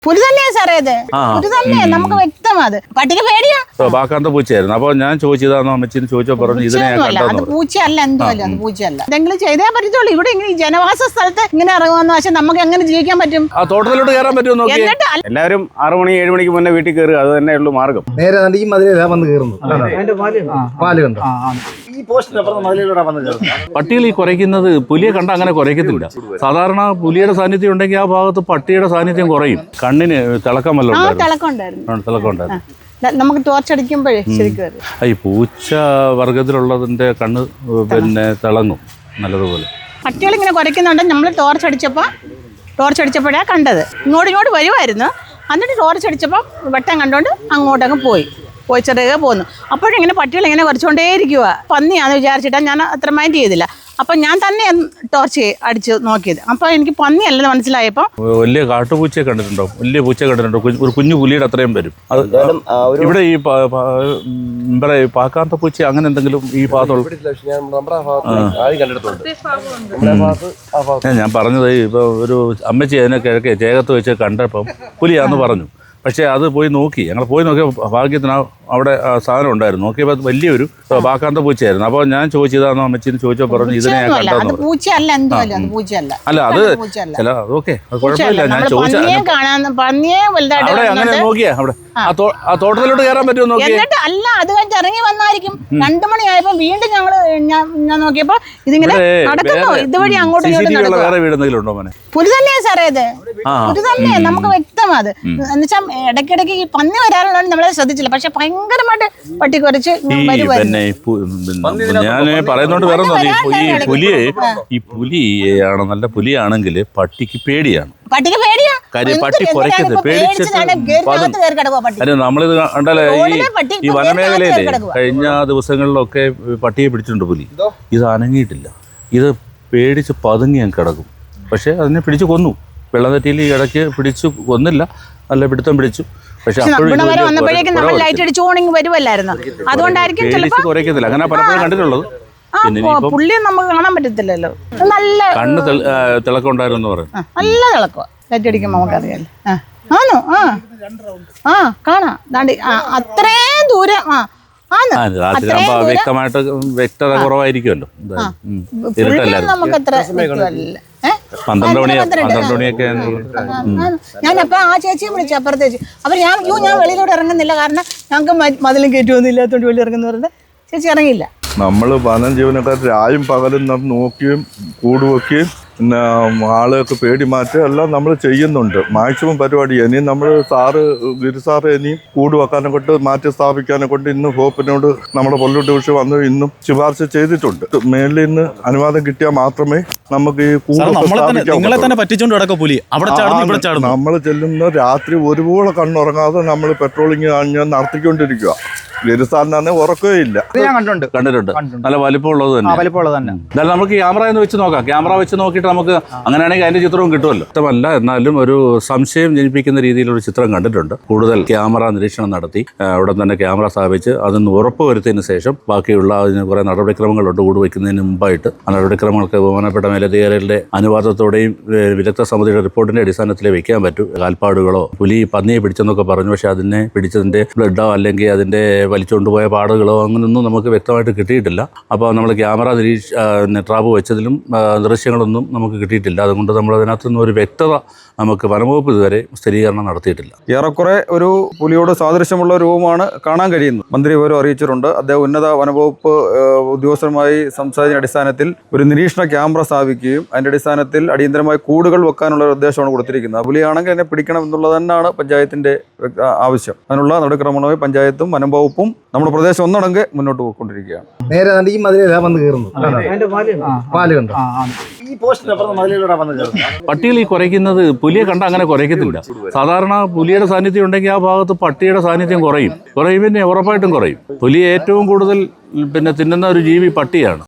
പുലി തന്നെയാ സാറേ ഇത്. പുലി തന്നെ, നമുക്ക് വ്യക്തമാ. അത് പട്ടിക്ക് പേടിയാ. ബാക്കാന്ത പൂച്ചയായിരുന്നു. അപ്പൊ ഞാൻ ചോദിച്ചതാണോ അമ്മച്ചിന്ന് ചോദിച്ചോ പറഞ്ഞു ഇതിനെ അത് പൂച്ചയല്ല, എന്തോല്ല അത് പൂച്ചയല്ല. എന്തെങ്കിലും ചെയ്തേ പറ്റത്തുള്ളൂ. ഇവിടെ ഇങ്ങനെ ജനവാസ സ്ഥലത്ത് ഇങ്ങനെ ഇറങ്ങുന്ന പക്ഷെ നമുക്ക് എങ്ങനെ ജീവിക്കാൻ പറ്റും? ആ തോട്ടത്തിലോട്ട് കയറാൻ പറ്റുമോ? എല്ലാവരും 6 മണി 7 മണിക്ക് മുന്നേ വീട്ടിൽ കയറുക, അത് തന്നെ ഉള്ളൂ മാർഗം. നേരെ ഈ മതിലാ വന്ന് കയറുന്നു. പാല് കണ്ടോ? ഈ പോസ്റ്റിനപ്പുറം മതിലൂടെ വന്ന് കയറുന്നു. പട്ടികൾ ഈ കുരയ്ക്കുന്നത് പുലിയെ കണ്ട അങ്ങനെ കുരയ്ക്കത്തില്ല. സാധാരണ പുലിയുടെ സാന്നിധ്യം ഉണ്ടെങ്കിൽ ആ ഭാഗത്ത് പട്ടിയുടെ സാന്നിധ്യം കുറയും. കണ്ണിന് തിളക്കം വല്ലതും തിളക്കം ഉണ്ടായിരുന്നു. നമുക്ക് ടോർച്ചടിക്കുമ്പോഴേ ശരിക്കും ഈ പൂച്ച വർഗത്തിലുള്ളതിന്റെ കണ്ണ് പിന്നെ തിളങ്ങും നല്ലതുപോലെ. പട്ടികൾ ഇങ്ങനെ കുരയ്ക്കുന്നുണ്ട്. നമ്മൾ ടോർച്ചടിച്ചപ്പോഴാണ് കണ്ടത്. ഇങ്ങോട്ട് വരുമായിരുന്നു. എന്നിട്ട് ടോർച്ചടിച്ചപ്പോൾ വെട്ടം കണ്ടോണ്ട് അങ്ങോട്ടങ്ങ് പോയി ചെറുകെ പോന്നു. അപ്പോഴിങ്ങനെ പട്ടികൾ ഇങ്ങനെ കുറച്ചുകൊണ്ടേ ഇരിക്കുക. പന്നിയാണെന്ന് വിചാരിച്ചിട്ടാണ് ഞാൻ അത്ര മൈൻഡ് ചെയ്തില്ല. അപ്പം ഞാൻ തന്നെ ടോർച്ച് അടിച്ച് നോക്കിയത്. അപ്പോൾ എനിക്ക് പന്നിയല്ലെന്ന് മനസ്സിലായപ്പോൾ വലിയ കാട്ടുപൂച്ചയെ കണ്ടിട്ടുണ്ടോ? വലിയ പൂച്ച കണ്ടിട്ടുണ്ടോ? ഒരു കുഞ്ഞു പുലിയുടെ അത്രയും വരും. അത് ഇവിടെ ഈ പാക്കാത്ത പൂച്ച അങ്ങനെ എന്തെങ്കിലും ഈ ഭാഗത്തുള്ള ഞാൻ പറഞ്ഞത് ഇപ്പൊ ഒരു അമ്മച്ചി അതിനെ കിഴക്കെ ചേകത്ത് വെച്ച് കണ്ടപ്പം പുലിയാന്ന് പറഞ്ഞു. പക്ഷേ അത് പോയി നോക്കി, ഞങ്ങൾ പോയി നോക്കിയ ഭാഗ്യത്തിന് അവിടെ സാധനം ഉണ്ടായിരുന്നു. നോക്കിയപ്പോൾ വലിയൊരു ബാക്കാന്ത പൂച്ചയായിരുന്നു. അപ്പോൾ ഞാൻ ചോദിച്ചതാണോ അമ്മച്ചിന്ന് ചോദിച്ചോ പറഞ്ഞു ഇതിനെ ഞാൻ കണ്ടോ? അല്ല അത് ചില അതൊക്കെ കുഴപ്പമില്ല. ഞാൻ ചോദിച്ചത് അവിടെ അങ്ങനെ നോക്കിയാ അവിടെ ആ തോട്ടത്തിലോട്ട് കയറാൻ പറ്റുമോ നോക്കി? അല്ല, അത് കഴിഞ്ഞ് ഇറങ്ങി വന്നായിരിക്കും. 2 മണിയായപ്പോ വീണ്ടും ഞാൻ നോക്കിയപ്പോ ഇതിങ്ങനെ നടക്കുന്നു. ഇതുവഴി അങ്ങോട്ടും ഇങ്ങോട്ടും വേറെ വീട് എന്തെങ്കിലും ഉണ്ടോ മോനെ? പുലി തന്നെയാ സാറേ ഇത്. പുലി തന്നെ, നമുക്ക് വ്യക്തമാ. അത് എന്നുവെച്ചാൽ ഇടയ്ക്കിടയ്ക്ക് ഈ പന്നി വരാറുള്ളതാണ് നമ്മളെ ശ്രദ്ധിച്ചില്ല. പക്ഷെ ഭയങ്കരമായിട്ട് പട്ടി കുറച്ച് ഞാൻ പറയുന്നോണ്ട് വേറെ ഈ പുലിയാണ് നല്ല പുലിയാണെങ്കിൽ പട്ടിക്ക് പേടിയാണ്. കാര്യം പട്ടി കുറയ്ക്കരുത്, പേടിച്ചിട്ട് നമ്മളിത് കണ്ടല്ലേ ഈ വനമേഖലയിലെ കഴിഞ്ഞ ദിവസങ്ങളിലൊക്കെ പട്ടിയെ പിടിച്ചിട്ടുണ്ട് പുലി. ഇത് അനങ്ങിയിട്ടില്ല. ഇത് പേടിച്ച് പതുങ്ങി ഞാൻ കിടക്കും. പക്ഷെ അതിനെ പിടിച്ച് കൊന്നു. വെള്ളനെറ്റിയിൽ ഈ ഇടയ്ക്ക് പിടിച്ചു കൊന്നില്ല, നല്ല പിടുത്തം പിടിച്ചു. പക്ഷെ കുറയ്ക്കത്തില്ല. അങ്ങനെ പലപ്പോഴും കണ്ടിട്ടുള്ളത്. പുള്ളി നമുക്ക് കാണാൻ പറ്റത്തില്ലല്ലോ. നല്ല കണ്ണ് തിളക്കം ഉണ്ടായിരുന്നു പറയും. നല്ല തിളക്കോ ലൈറ്റടിക്കുമ്പോ നമുക്കറിയാലോ. കാണാം. അത്രയും ദൂരം രാത്രി വ്യക്തമായിട്ട് വ്യക്തത കുറവായിരിക്കുമല്ലോ. നമുക്ക് അത്ര 12 മണിയൊക്കെ ഞാനപ്പോ ആ ചേച്ചിയെ വിളിച്ചു അപ്പുറത്തേച്ച്. അവർ ഞാൻ വെളിയിലോട്ട് ഇറങ്ങുന്നില്ല, കാരണം ഞങ്ങൾക്ക് മതിലും കയറ്റുമൊന്നും ഇല്ലാത്തോണ്ട് വെളി ഇറങ്ങുന്ന പറഞ്ഞത് ചേച്ചി ഇറങ്ങിയില്ല. നമ്മൾ വനം ജീവനക്കാർ രായും പകലും നോക്കുകയും കൂടുവെക്കുകയും പിന്നെ ആളെയൊക്കെ പേടി മാറ്റുക എല്ലാം നമ്മൾ ചെയ്യുന്നുണ്ട്. മാക്സിമം പരിപാടി. ഇനിയും നമ്മൾ ഗിരിസാറ് ഇനിയും കൂട് വെക്കാനെ കൊണ്ട് മാറ്റി സ്ഥാപിക്കാനെ കൊണ്ട് ഇന്ന് ഹോപ്പിനോട് നമ്മുടെ പൊല്ലൂർ ഡിവിഷൻ വന്ന് ഇന്നും ശുപാർശ ചെയ്തിട്ടുണ്ട്. മേലിൽ നിന്ന് അനുവാദം കിട്ടിയാൽ മാത്രമേ നമുക്ക് ഈ കൂട് നമ്മൾ ചെല്ലുന്ന രാത്രി ഒരുപോലെ കണ്ണുറങ്ങാതെ നമ്മൾ പെട്രോളിങ് നടത്തിക്കൊണ്ടിരിക്കുക. ഗിരിസാറിനെ ഉറക്കേ ഇല്ല. കണ്ടിട്ടുണ്ട്. നല്ല വലിപ്പമുള്ളത് തന്നെ. എന്തായാലും നമുക്ക് ക്യാമറ എന്ന് വെച്ച് നോക്കാം. ക്യാമറ വെച്ച് നോക്കിയിട്ട് നമുക്ക് അങ്ങനെയാണെങ്കിൽ അതിന്റെ ചിത്രവും കിട്ടുമല്ലോ. ഇഷ്ടമല്ല എന്നാലും ഒരു സംശയം ജനിപ്പിക്കുന്ന രീതിയിലൊരു ചിത്രം കണ്ടിട്ടുണ്ട്. കൂടുതൽ ക്യാമറ നിരീക്ഷണം നടത്തി അവിടെ തന്നെ ക്യാമറ സ്ഥാപിച്ച് അതിന് ഉറപ്പ് വരുത്തിയതിന് ശേഷം ബാക്കിയുള്ള അതിന് കുറേ നടപടിക്രമങ്ങളുണ്ട്. കൂട് വയ്ക്കുന്നതിന് മുമ്പായിട്ട് ആ നടപടിക്രമങ്ങൾക്ക് ബഹുമാനപ്പെട്ട മേലധികാരികളുടെ അനുവാദത്തോടെയും വിദഗ്ധ സമിതിയുടെ റിപ്പോർട്ടിന്റെ അടിസ്ഥാനത്തിൽ വെക്കാൻ പറ്റൂ. കാൽപ്പാടുകളോ പുലി പന്നിയെ പിടിച്ചെന്നൊക്കെ പറഞ്ഞു. പക്ഷെ അതിനെ പിടിച്ചതിന്റെ ബ്ലഡോ അല്ലെങ്കിൽ അതിന്റെ വലിച്ചുകൊണ്ടുപോയ പാടുകളോ അങ്ങനെയൊന്നും നമുക്ക് വ്യക്തമായിട്ട് കിട്ടിയിട്ടില്ല. അപ്പോൾ നമ്മൾ ക്യാമറ ട്രാപ്പ് വെച്ചതിലും ദൃശ്യങ്ങളൊന്നും നമുക്ക് കിട്ടിയിട്ടില്ല. അതുകൊണ്ട് നമ്മൾ അതിനകത്തുനിന്ന് ഒരു വ്യക്തത നമുക്ക് വനംവകുപ്പ് ഇതുവരെ സ്ഥിരീകരണം നടത്തിയിട്ടില്ല. ഏറെക്കുറെ ഒരു പുലിയോട് സാദൃശ്യമുള്ള രൂപമാണ് കാണാൻ കഴിയുന്നത്. മന്ത്രി വിവരം അറിയിച്ചിട്ടുണ്ട്. അദ്ദേഹം ഉന്നത വനംവകുപ്പ് ഉദ്യോഗസ്ഥരുമായി സംസാരിച്ച അടിസ്ഥാനത്തിൽ ഒരു നിരീക്ഷണ ക്യാമറ സ്ഥാപിക്കുകയും അതിൻ്റെ അടിസ്ഥാനത്തിൽ അടിയന്തരമായി കൂടുകൾ വെക്കാനുള്ള ഒരു നിർദ്ദേശമാണ് കൊടുത്തിരിക്കുന്നത്. പുലിയാണെങ്കിൽ അതിനെ പിടിക്കണം എന്നുള്ളത് തന്നെയാണ് പഞ്ചായത്തിന്റെ ആവശ്യം. അതിനുള്ള നടപടിക്രമമായി പഞ്ചായത്തും വനംവകുപ്പും നമ്മുടെ പ്രദേശം ഒന്നടങ്ക് മുന്നോട്ട് പോയിക്കൊണ്ടിരിക്കുകയാണ്. നേരെ ഈ മതിലാ വന്ന് കയറുന്നു. പാല് കണ്ടോ? ഈ പോസ്റ്റിനപ്പുറം മതിലൂടെ വന്ന് കയറുന്നു. പട്ടികൾ ഈ കുരയ്ക്കുന്നത് പുലിയെ കണ്ട അങ്ങനെ കുരയ്ക്കത്തില്ല. സാധാരണ പുലിയുടെ സാന്നിധ്യം ഉണ്ടെങ്കിൽ ആ ഭാഗത്ത് പട്ടിയുടെ സാന്നിധ്യം കുറയും. പിന്നെ ഉറപ്പായിട്ടും കുറയും. പുലി ഏറ്റവും കൂടുതൽ തിന്നുന്ന ഒരു ജീവി പട്ടിയാണ്.